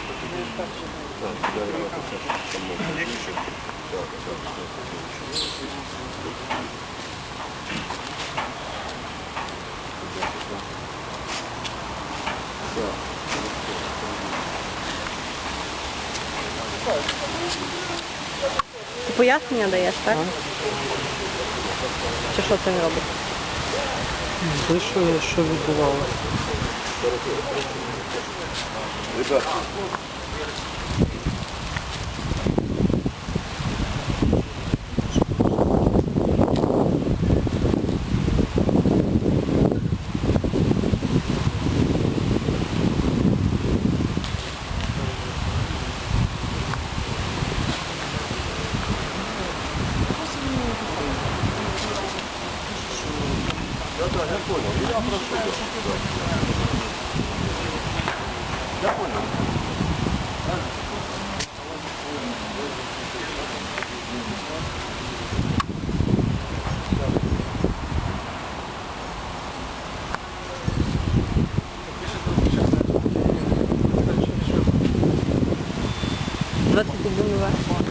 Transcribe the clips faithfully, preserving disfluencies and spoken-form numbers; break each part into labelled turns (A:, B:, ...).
A: Ти пояснення даєш, так? Чи що це він робить?
B: Вийшов, що відбувалося.
A: двадцять один нуль.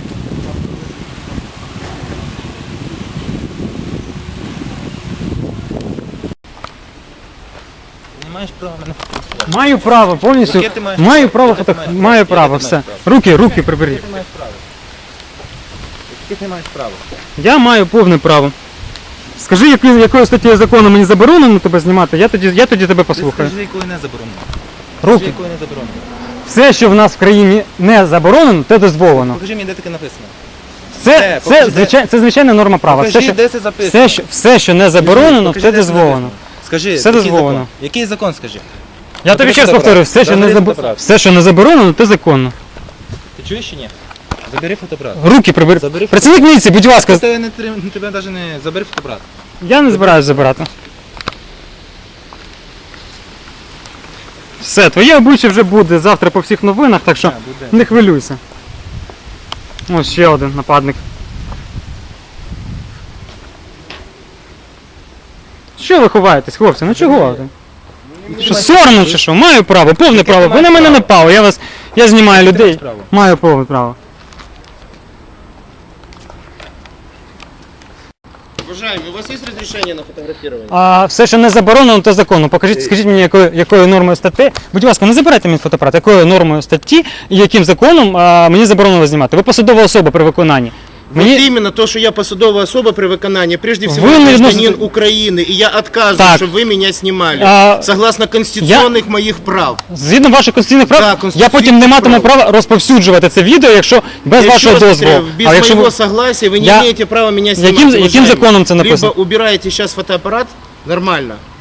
C: Не маєш права мене фотографувати.
B: Маю право повністю.
C: Яке ти маєш
B: Маю
C: право?
B: право
C: Яке ти
B: фото.
C: маєш право?
B: Маю
C: Яке
B: право,
C: ти
B: все.
C: маєш право?
B: Руки, руки приберіть.
C: Яке ти маєш право? Яке ти маєш право?
B: Я маю повне право. Скажи, якою, якою статтею закону мені заборонено тебе знімати, я тоді, я тоді тебе
C: Ти
B: послухаю.
C: скажи, якою не заборонено. Скажи,
B: Руки.
C: якою не заборонено.
B: Все, що в нас в країні не заборонено, те дозволено.
C: Покажи мені, де таке написано.
B: Це,
C: Де?
B: це,
C: Покажи,
B: звичай, це звичайна норма права.
C: Покажи,
B: Все, що,
C: де це записано.
B: все, що, все, що не заборонено,
C: Покажи,
B: це
C: де це
B: дозволено.
C: написано. Скажи,
B: Все
C: який
B: дозволено.
C: закон? Який закон, скажи?
B: Я тобі
C: Забери
B: ще раз
C: фотоапарат.
B: повторюю, все, що не
C: Забери
B: заб...
C: фотоапарат.
B: все, що не заборонено, це законно.
C: Ти чуєш чи ні? Забери фотоапарат.
B: Руки прибери.
C: Забери
B: Працівник міліції, будь ласка.
C: Тебе не трим- тебе навіть не забери фотоапарат.
B: Я не збираюсь забирати. Все, твоє обличчя вже буде завтра по всіх новинах, так що
C: Так, буде.
B: не хвилюйся. Ось ще один нападник. Що ви ховаєтесь, хлопці? Ну чого? Що, соромно чи що? Маю право, повне
C: Яке
B: право.
C: ти
B: Ви на
C: маєш
B: мене
C: право?
B: напали, я вас. Я знімаю
C: Яке ти
B: людей.
C: маєш право?
B: Маю повне право.
D: Уважаемый, у вас есть разрешение на фотографирование?
B: А все, що не заборонено, то законно. Покажіть, скажіть мені, якою, якою нормою статті. Будь ласка, не забирайте мені фотоапарат, якою нормою статті і яким законом а, мені заборонено знімати. Ви посадова особа при виконанні.
D: Вот
B: Мені...
D: именно то, что я посадовая особа при выконании, прежде всего,
B: Вы
D: я
B: не
D: гражданин
B: вносите-
D: Украины, и я отказываю,
B: Так.
D: чтобы вы меня снимали,
B: А,
D: согласно конституционных моих прав.
B: Згідно ваших конституційних прав,
D: Да,
B: я
D: конституційних
B: потім не матиму
D: прав.
B: права розповсюджувати це відео, якщо без
D: Я
B: вашого
D: еще раз
B: дозволу.
D: повторяю, без
B: А якщо
D: моего
B: ви...
D: согласия вы не
B: Я-
D: имеете права меня снимать.
B: Яким- яким
D: уважаемый.
B: законом це написано?
D: Либо убираете сейчас фотоаппарат, нормально,